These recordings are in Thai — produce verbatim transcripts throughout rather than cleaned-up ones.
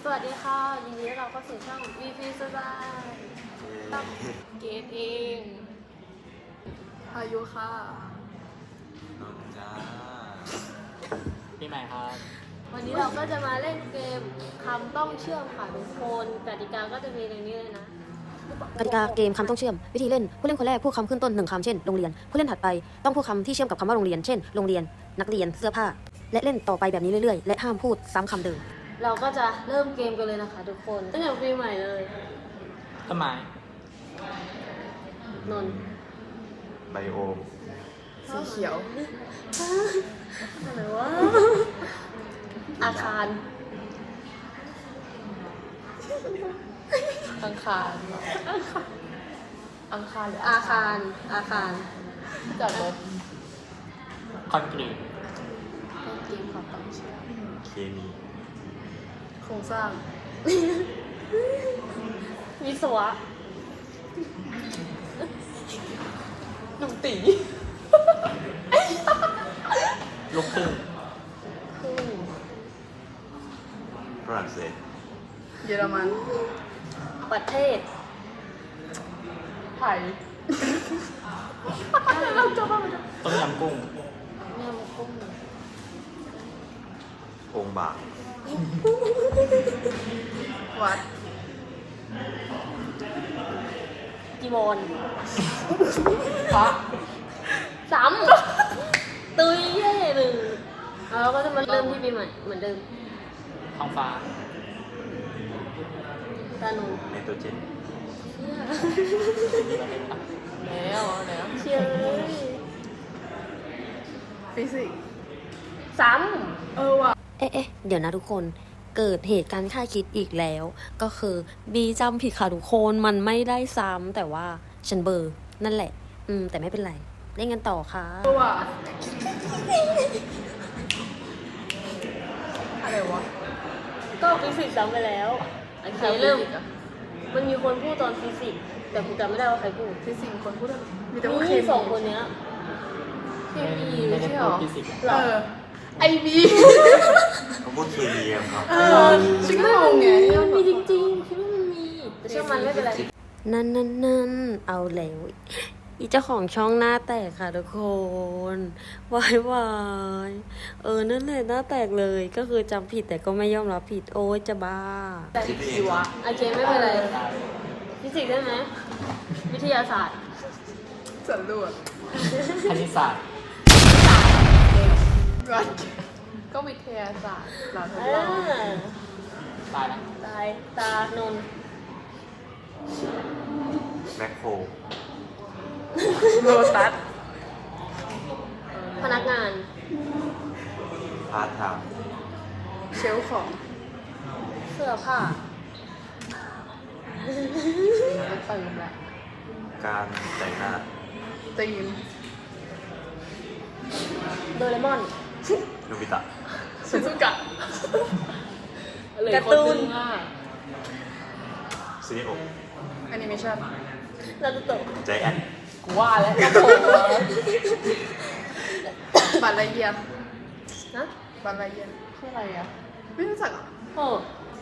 วัสดีค่ะยินดีต้อนรับเข้าสู่ช่อง วี พี สบายตั้งเกตเองพายุค่ะนนจ้าพี่ใหม่ครับวันนี้เราก็จะมาเล่นเกมคำต้องเชื่อมค่ะทุกคนกติกาก็จะมีอย่างนี้เลยนะกติกาเกมคำต้องเชื่อมวิธีเล่นผู้เล่นคนแรกพูดคำขึ้นต้นหนึ่งคำเช่นโรงเรียนผู้เล่นถัดไปต้องพูดคำที่เชื่อมกับคำว่าโรงเรียนเช่นโรงเรียนนักเรียนเสื้อผ้าและเล่นต่อไปแบบนี้เรื่อยๆและห้ามพูดซ้ำคำเดิมเราก็จะเริ่มเกมกันเลยนะคะทุกคนตั้งแต่ปีใหม่เลยต้นไม้นนไบโอมสีเขียวอะไรวะอาคารอังคารอังคารหรืออาคารอาคารจอดรถคอนกรีตเป็นเกมความต้องเชื่อมเคมีโครงสร้างวิศวะหนุ่มตีลูกครึ่งคือฝรั่งเศสเยอรมันประเทศไทยเราจะว่ามันต้มยำกุ้งยำกุ้งองค์บากวัดจีวรพระซ้ำตุยเย่หนึ่งแล้วเราก็จะมาเริ่มที่ปีใหม่เหมือนเดิมท้องฟ้าตาหนูไนโตรเจนแล้วแล้วเชื่อเลยฟิสิกส์ซ้เออว่ะเอ๊ะเอ๊ะเดี๋ยวนะทุกคนเกิดเหตุการณ์คาดคิดอีกแล้วก็คือบีจำผิดค่ะทุกคนมันไม่ได้ซ้ำแต่ว่าฉันเบอร์นั่นแหละอืมแต่ไม่เป็นไรเล่นกันต่อค่ะเออว่ะอะไรวะำก็ฟิสิกส์ซ้ำไปแล้วโอเคเริ่มมันมีคนพูดตอนฟิสิกส์แต่ผมจำไม่ได้ว่าใครพูดฟิสิกส์คนพูดอะไรมีแต่ว่าเคนี่มีสองคนเนี้ยเคมีไม่ไม่ได้ใช่หรพูดอฟิสิกส์หรเอออไอบีเขาพูดเคมีครับเออชิคกี้พายไงมันมีจริงๆคิดว่ามันมีแต่เชื่อมันไม่เป็นไรนั่นนั่นนั่นเอาแล้วอีเจ้าของช่องหน้าแตกค่ะทุกคนวายวายเออนั่นแหละหน้าแตกเลยก็คือจำผิดแต่ก็ไม่ยอมรับผิดโอ้ยจะบ้าคิดเองครับโอเคไม่เป็นไรฟิสิกส์ได้ไหมวิทยาศาสตร์สำรวจคณิตศาสตร์วัดก็วิทยาศาสตร์เราทดอ่ลองาตายนะตายตานนท์แมคโครโลตัสพนักงานพาร์ทไทม์เชลฟ์ของเสื้อผ้าเติมแหละการแต่งหน้าตีนโดเรมอนโนบิตะชิซุกะการ์ตูนซินิโอแอนิเมชั่นนารูโตะใจแอนกูว่าแล้วกระโถบัตรละเอียดนะบัตรละเอียดคืออะไรอ่ะ ไม่รู้จักอ่ะโอ้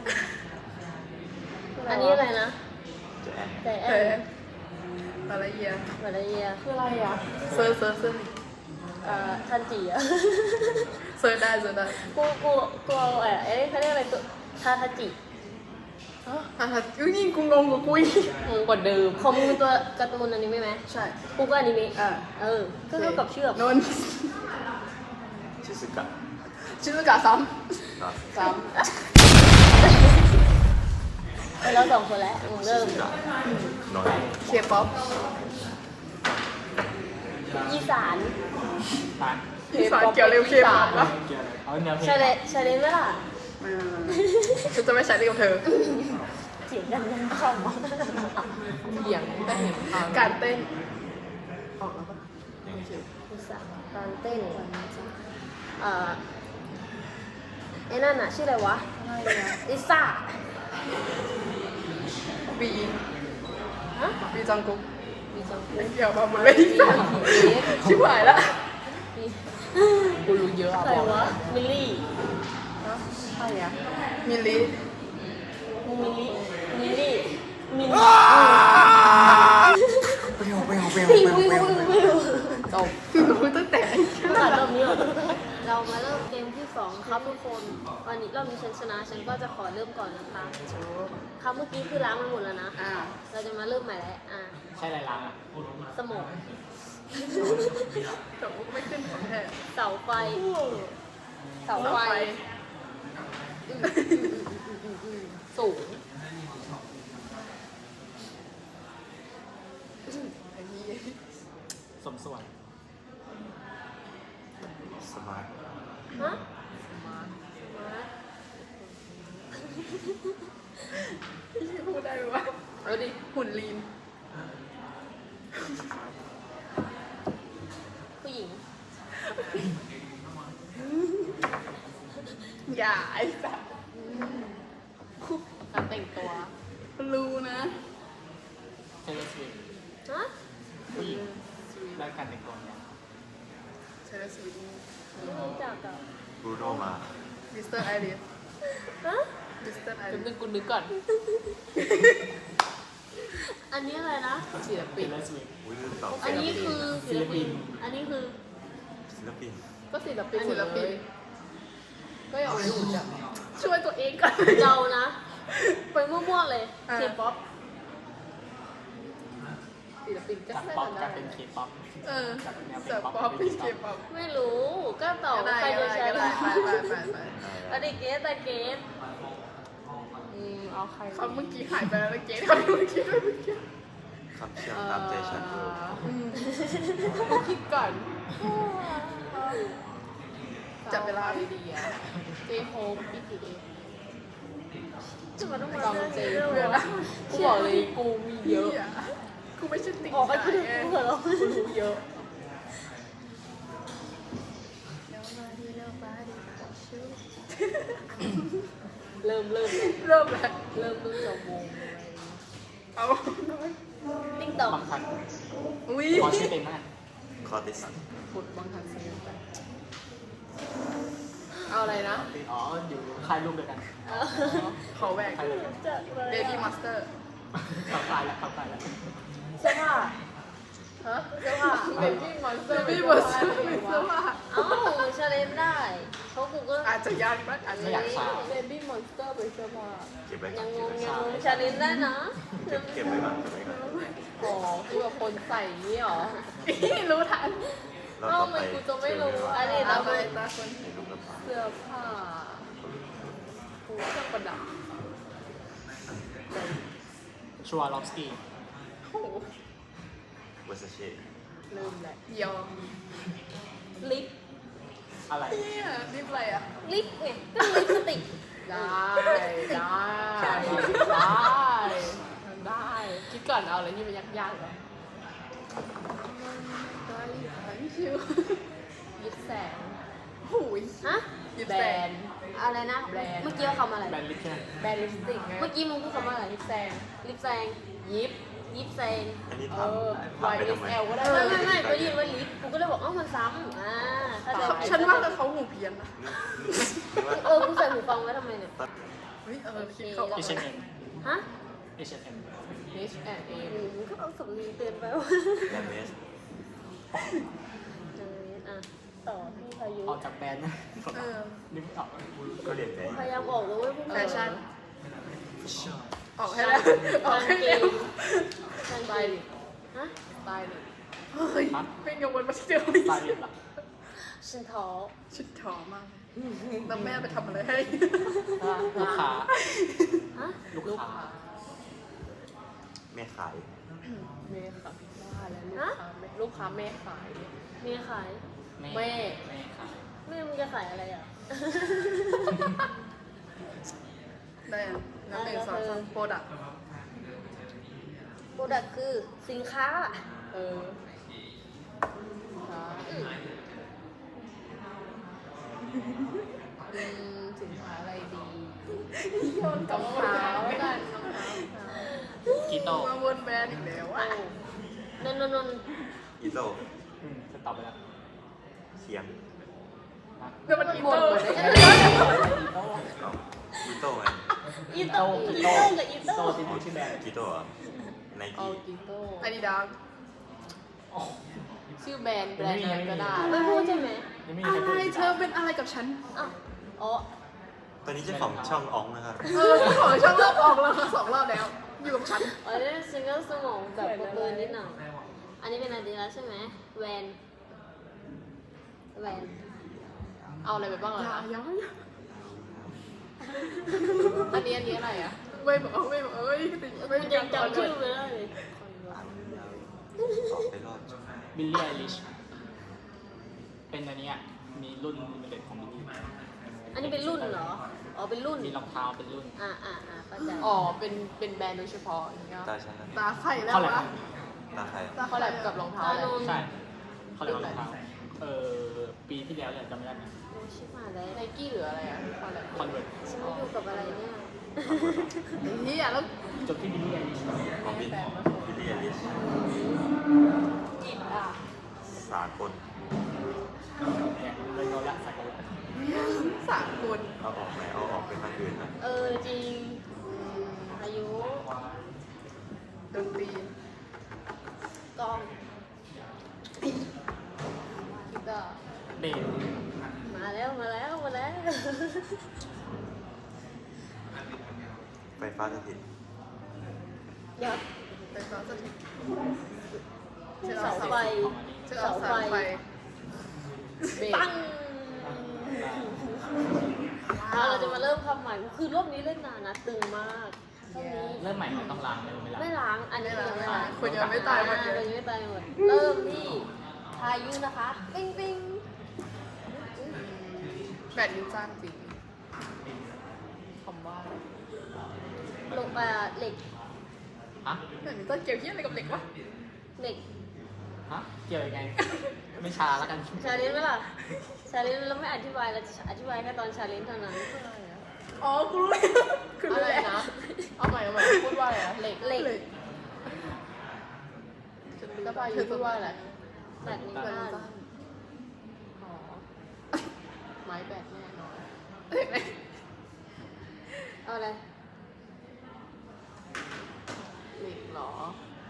อันนี้อะไรนะใจแอนแต่แอเออน บัตรละเอียดมาลาเยียคืออะไรอ่ะเซิร์ชเซิร์ชเซิร์ชเอ่อทันจิอะเซิร์ชได้เซิร์ชได้กูกูกูเอาเอ่อเอ๊ะเขาเรียกอะไรตัวทาทาจิอ๋ออ่ะอุ้ยนี่กูงงกว่ากูอีกงงกว่าเดิมของมึงเป็นตัวการ์ตูนอนิเมะไหมใช่กูก็อนิเมะอ่าเออก็เท่ากับเชือกนนท์ชิซึกะชิซุกะซ้นะำซ้เออเราสองคนแล้วมึงชิเริ่มซึกะน้อยำเคป๊อปอีสานตายอีสานเกี่ยวเร็วเคป๊อปปะเกี่ยวเลยเอาแนวเพลงชาเลชาเลนไหมล่ะไม่ไม่ไม่ฉันจะไม่ใช้เรื่องกับเธอเสียงดังยังเข้ามาเถียงแต่เห็นการเต้นออกแล้วปะยังไงอีสานการเต้นเอ่อไอ้นั่นน่ะชื่ออะไรวะลิซ่าบีฮะบีจังกุ๊กมีจังไม่เกี่ยวกับมันไม่ได้สั่งชิบหายละมีกูรู้เยอะอะใครวะมิลลี่ใครอะมิลลิมมิลิมิลิมิลิไปเอาไปเอาไปเอาปิวไปปิวเอาปิวไปปิวจบรู้ตั้งแต่ผ่านรอบนี้เหรอเรามาเริ่มเกมที่สองครับทุกคนวันนี้รอบนี้ฉันชนะฉันก็จะขอเริ่มก่อนนะคะครับเมื่อกี้คือล้างมันหมดแล้วนะอ่าเราจะมาเริ่มใหม่แล้วอ่ะใช่ไรล้างอ่ะสมองจบไม่ขึ้นของแท้เสาไฟเสาไฟอืมอืมอืมอืมอืมสูงไอ้นี่สมส่วนสมาร์ทฮะมามาพี่พูดได้ไหมวะเอาดิหุ่นลีนผู้หญิงอย่าไอ้สัสการแต่งตัวรู้นะเทเลสวิฟฮะผู้หญิงแล้วการแต่งตัวเนี่ยเชลซีไม่รู้จักอ่ะบรูโนมามิสเตอร์ไอริสฮะมิสเตอร์ไอแป๊ริบสนึงกูนึกก่อนอันนี้อะไรนะศิลเทปินเลสวิฟอุ้ยลืมตอบอันนี้คือศิลปินอันนี้คือศิลปินก็ศิลปินอันนี้ศิลปินก็อย่าเอาหูจับช่วยตัวเองก่อนเรานะ ไปมั่วๆเลยอ่าเคป๊อปศิลปินก็จากไม่ป๊อปทำกลาได้ยเป็นเคป๊อปเออจากแนวจาก K-pop ป๊อปเป็เป็นนเค K-pop ป๊อปไม่รู้ ก็ตอบก็ได้ใครก็จะได้ใช้ก็ได้ไปไปไปไปอันนี้เกสแต่เกสอืมเอาใครเขาเมื่อกี้หายไปแล้วเมื่อกี้ทำเมื่อกี้ด้วยเมื่อกี้คำเชื่อมตามใจฉันเอ่ออืมกูคิดก่อนจับเวลาดีๆอ่ะเจโฮมบีทีเอจะมาต้องมาลองเจเรื่องเพื่อนวะนะกูบอกเลยกูมีเยอะกูไม่ใช่ติ๊กออกไปคือไงเหรอกูรู้เยอะ เริ่มเริ่มเริ่มแล้วเริ่มเริ่มจะวงอะไรเอาน้อยติ๊กต็อกบางทันอุ้ยขอชื่อเต็มมากคอร์ติสฟุตบอลทันซีไปเอาอะไรนะอ๋ออยู่ค่ายรูปเดียวกันขอแหวกค่ายเดียวกันจัดเลยเบบี้มาสเตอร์เข้าค่ายแล้วเข้าค่ายแล้วเสื้อผ้าฮะเสื้อผ้าเบบี้มอนสเตเบอร์บี้มาสเตอร์เป็นเสื้อผ้าเอ้าชาเลนได้เพราะกูก็อาจจะยากนะอาจจะาก กไม่อยายช้าเบบี้มอนสเตอร์เป็นเสื้อผ้าเก็บไว้ก่ยัอนงงเก็บงไว้ยังงงชาเลนได้นะเก็บเก็บไว้ก่อนเก็บไว้ก่อนอ๋อคือแบบคนใส่นี่หรอรู้ทันแล้วเอ้าต่อทำไมไปกูจะไม่รู้อันนี้ตาเราไปตาคนในรูปกระเป๋าเสื้อผ้ากูเครื่องประดับชัวร์ล็อบสกี้โอ้โหเวอร์ซาเช่เริ่มแหละเดียวลิปอะไรเนี่ยรีบอะไรอ่ะลิปไงก็ลิปสติกได้ได้ได้ได้คิดก่อนเอาอะไรที่มันยากๆก่อนได้ไม่ชิวยิบแสงหูยฮะหยิบแบแสรงนด์อะไรนะแบรนด์เมื่อกี้เขาคำอะไรแบรนด์ลิปใช่ไหมแบรนด์ลิปสติกไงเมื่อกี้มึงพูดคำว่าอะไรยิบแสงลิปแซงยิบยิปแซงอันนี้เอถามอถาม Y ไป S ทำไม L ก็ได้ไม่ไม่ไม่ก็ยินว่าลิปกูก็เลยบอกเอ้ามันซ้ำอ่าถ้าใจฉันว่าแต่เขาหูเพี้ยนนะนึกว่าเออกูใส่หูฟังไว้ทำไมเนี่ยเฮ้ยเออคิดเขาออกเอชมาเอ็มฮะเอชเอ็ม H and A อืมมึงก็เอาสำนีเตือนไปว่าแบรนด์เมสเอออ่ะต่อที่พายุออกจากแบรนด์นะเออนึกไม่ออกก็เรียนไปพยายามบอกเลยเว่าพวกแฟมึงชั่นออกให้แล้วออกให้แล้วกางสไตเกงลิสต์ฮะสไตลิสต์เฮ้ยเป็นกังวลมาที่เดิมอีกตายเรียนละฉันท้อชุดถอมากเลยแล้วแม่ไปทำอะไรให้ลูกค้าฮะลูกลูกค้าค้าแม่ขายเมย์ค่ะว่าแล้วลูกค้าแม่ลูกค้าแม่ขายเมียขายแม่แม่แม่ขายแม่มึงจะขายอะไรอ่ะได้อะน้ำหนึ่งสองสามโปรดักต์โปรดักคือสินค้าเออค่ะอืมสินค้าอะไรดีโยนกับรองเท้าแล้วกันรองเท้ารองเท้ากีโต้มาวนแบรนด์อีกแล้วอ่ะนนนนนอีโต้อืมจะตอบไปแล้วเสียงนะแล้วมันอีหมดเตอหมร์ดได้ไงเอาอีโต้ไงอีโต้อีโต้กับอีโตโต้ที่มีชื่อแบรนด์กิโต้เหรอไนเอากี้กิโต้อาดิดาสอ๋อชื่อแบรนด์แบรนด์นั้นก็ได้ไม่พูดใช่ไหมยังไม่มีอะใครพูดไรอีกเธอเป็นอะไรกับฉันอ้าวอ๋อตอนนี้เจ้าของช่องอองนะครับเออที่ของช่องรอบออกแล้วสองรอบแล้ว อยู่กับฉันอ๋อนี่ซิงเกิลสมองแบบเบอร์นิดหน่อยอันนี้เป็นอาดิดาสใช่ไหมแวนแวนเอาอะไรไปบ้างล่ะอย่าคะอย่าอันนี้อันนี้อะไรอ่ะไม่บอกไม่บอกเอ้ยติดไม่มันยัยัง งจำจำชื่ชื่ออไม่ได้เลยออกไปรอดบิลลี่ไอริชเป็นอันเนี้ยมีรุ่นลิมิเต็ดของบิลลี่อันนี้เป็นรุ่นเหรอ อ๋อ เป็นรุ่นมีรองเท้าเป็นรุ่นอ่าอ่าอ่าเข้าใจอ๋อเป็นเป็นแบรนด์โดยเฉพาะอย่างเงี้ยตาฉันนะตาไข่แล้วเขาแหละวะตาใครตาเขาแลบกับรองเท้าตาอะไรโนนใช่เขาเรียกว่ารองเท้าเออปีที่แล้วเนี่ยจำไม่ได้นะโอ้ชิบหายแล้วไนกี้หรืออะไรอ่ะเขาแลบคอนเวิร์ตฉันไม่อยู่กับอะไรเนี่ยไอ้เหี้ยแล้วจบที่บิลลี่ไอริชของบิลบิลลี่อลิชจิตอ่ะสากลเนี่ยเลยโนละสักกันสามคนเอาออกไหมเอาออกเป็นทางอื่นนะเออ จริง อายุดนตรีกล้องกีตาร์เบสมาแล้ว มาแล้ว มาแล้วไฟฟ้าสถิตยับไฟฟ้าสถิตเสาไฟของอันนี้เชือกสายไฟเบสปังอ่ะเราจะมาเริ่มคำใหม่ คือรอบนี้เล่นนานนะ ตึงมากรอบนี้เริ่มใหม่มันต้องล้างเลยไม่ล้างไม่ล้าง อันนี้ยังไม่ล้างคนยังไม่ตายหมดอ่เลยยังไม่ตายหมด เริ่มที่พายุนะคะ ปิ้งปิ้งแบดมินตันจริงคำว่าอะไรลงไปเหล็กฮะแบดมินตันเกี่ยวเหี้ยอะไรกับเหล็กวะเหล็กฮะเกี่ยวยังไง ไม่ชาแล้วกันชาเลนจ์ไหมล่ะ ชาเลนจ์เราไม่อธิบายเราจะอธิบายแค่ตอนชาเลนจ์เท่านั้นอ๋อกูรู้แล้วกูอะรู้ไรแล้วนะ เอาใหม่เอาใหม่พูดว่าอะไรนะเหล็กเหล็กเหล็กแล้วพายุพูดว่าอะไรแบบนี้บ้านอ๋อ ไม้แบตแน่นอนเห็นไหมเอาอะไรเหล็กเหรอ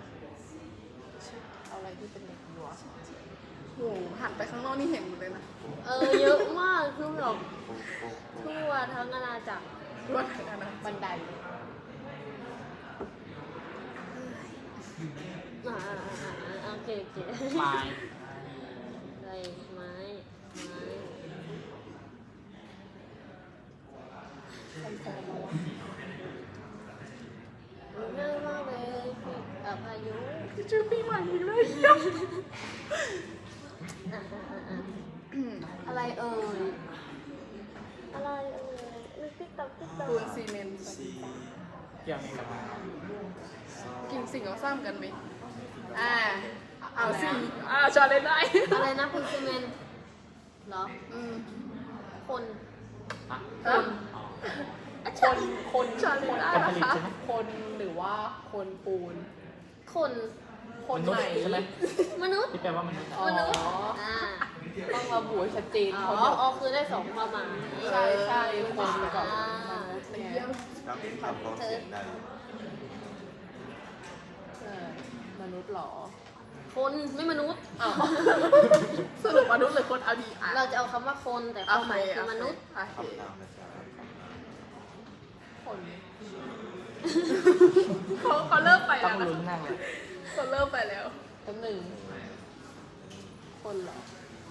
เอาอะไรที่เป็นเหล็กดีวะโหหันไปข้างนอกนี่เห็นหมดเลยนะเออ เยอะมากคือแบบทั่วทั้งอาณาจักรว่าอะไรนะบันไดอ่าอ่าอ่าอ่าโอเคโอเคไม้อะไรไม้ไม้ง่ายมากเลยพี่อ่ะพายุชื่อปีใหม่อีกเลยอ่ะอ่ะอ่ะอ่ะอะไรเอ่ยอะไรเอ่ยติ๊กต๊อกติ๊กต๊อกปูนซีเมนต์เกี่ยวยังไงกับมันกินสิ่งเอาซ้ำกันไหมอ่าเอาสิอ่าชาเลนจ์ได้อะไรนะคุณซีเมนต์เหรออืมคนฮะฮะอ๋อคนคนชาเลนจ์ได้คนนะผลิตคะใช่ไหมคนหรือว่าคนปูนคนคนมนุษไหนย์ใช่ไหมมนุษย์ที่แปลว่ามนุษย์อ๋อมนุษย์อ่าต้องระบุให้ชัดเจนอ๋เพอราะเดี๋ยวอ๋อคือได้สองความหมายใช่ใช่คนกับอ่ามนุษย์เนี่ยเราเป็นคำพ้องเสียงได้เออมนุษย์เหรอคนไม่มนุษย์อ้าวสรุปมนุษย์หรือคนเอาดีอ่ะเราจะเอาคำว่าคนแต่ความหมายคือมนุษย์โอเคคำนามนะจ๊ะคนเขาเขาเริ่มไปต้อแล้งวนะลุ้นนั่งเลยเขาเริ่มไปแล้วตัวหนึ่ง คนเหรอ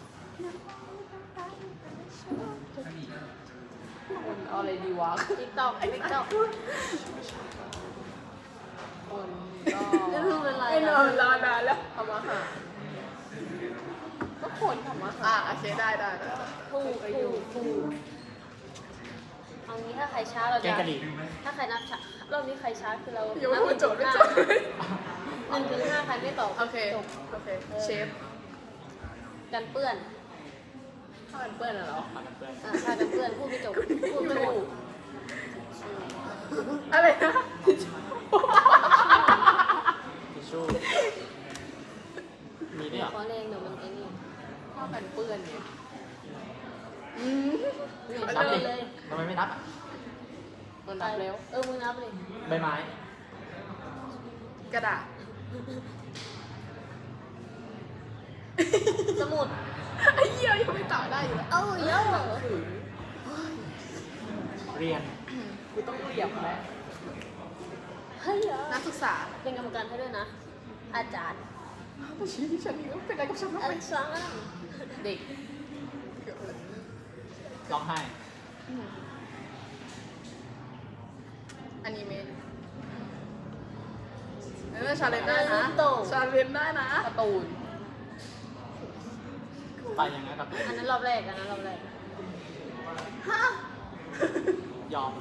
คนเอาอะไรดีวะติ๊กต็อกติ๊กต็อกคนก็นี่คือเป็นไรไอ้นอนรอนานแล้วทำอาหารก็คนทำอาหาอ่าร โอเคได้ได้ได้ถูกถูกถูกเอางี้ถ้าใครช้าเราแกจะงกะหรี่ถ้าใครนับช้ารอบนี้ใครช้าคือเรายังไม่นับพูดโจทย์ไม่จบหนึ่งถึงห้าใครไม่ตอบโอเคจบโอเค เชฟกันเปื้อนถ้ามันเปื้อนอะเหรอพากันเพื่อนอ่ะพากันเปื้อนพูดไม่จบพูดไม่ถูกอะไรนะทิชชู่มีด้วยเหรอขอแรงเดี๋ยวมันไอ้นี่ถ้ามันเปื้อนเนี่ยอืมไม่นับใช่ดิเลยทำไมไม่นับอ่ะมันมันนับแล้วเออมึงนับเลยใบไม้กระดาษสมุดไอ้เหี้ยยังไม่ต่อได้อยู่แล้วเอ้าเยอะเรียนกูต้องเหยียบไหมเฮ้ยเยอะนักศึกษาเป็นกรรมการให้ด้วยนะ อาจารย์แต่ชี้ที่ฉันนี่ก็เป็นอะไรกับฉันทำอาไมจารย์เด็กร้องไห้อนิเมะเออชาเลนจ์ได้นะชาเลนจ์ได้นะการ์ตูนไปยังไงกับอันนั้นรอบแรกอันนั้นรอบแรกฮะยอม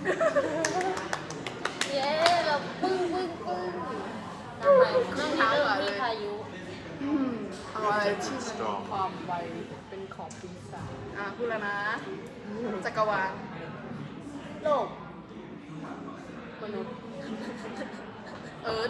เย้เราปึ้งปึ้งปึ้งทำไมน้องนี้เริ่มที่พายุอืมเอาอะไรที่สตรองความไวเป็นของปีศาจอ่ะพูดแล้วนะ จักรวาลโลกมนุษย์เอิร์ธ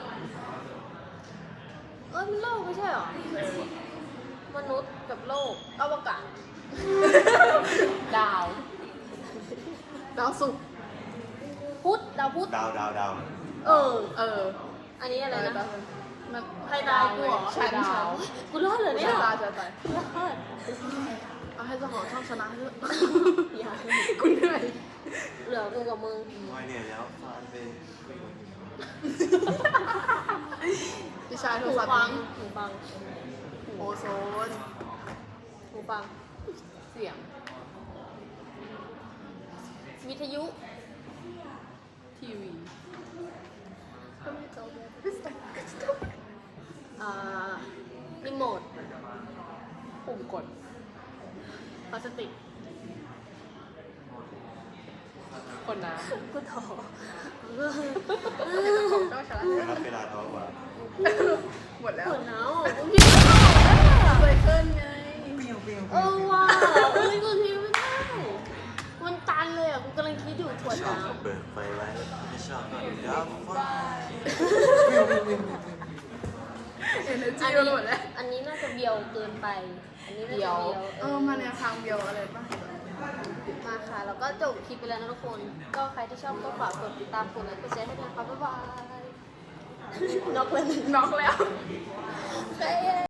เออมันโลกไม่ใช่หรอ มนุษย์กับโลกอวกาศดาวดาวศุกร์พุธดาวพุธดาวดาวดาวเออเอออันนี้อะไรนะมันใครตายกูเหรอฉันดาฉันวกูรอดเหรอเนี่ยชะตาจะตายรอดเอาให้เจ้าของช่องชนะเถอะอย่ากูเหนื่อยเหลือกูกับมึงไม่เนี่ยแล้วฟานเป็นพี่ชายโทรหูศัพท์ฟังนี้หูฟังโอโซนหูฟังเสียงวิทยุทีวีอ่ารีโมทปุ่มกดพลาสติกคนน้กูถอของเจ้าชนะไม่รับเวลาท้อกว่าหมดแล้วปวดหนาวกูคิดไม่ออกอะไซเคิลไงเออว่ะเอ้ยกูคิดไม่ได้มันตันเลยอ่ะกูกำลังคิดอยู่ปวดชหอบนาวก็เปิดไฟไว้ไม่ชอบก็ดับไฟเอเนอร์จีอันหมนี้ดแล้วอันนี้น่าจะเบียวเกินไป อันนี้น่าจะเบียวเออมาแนวทางเดียวอะไรป่ะมาค่ะ แล้วก็จบคลิปไปแล้วนะทุกคน ก็ใครที่ชอบก็ฝากกดติดตามกดไลค์กดแชร์ให้ด้วยนะคะบ๊ายบาย น็อกเลยน็อกแล้ว Okay.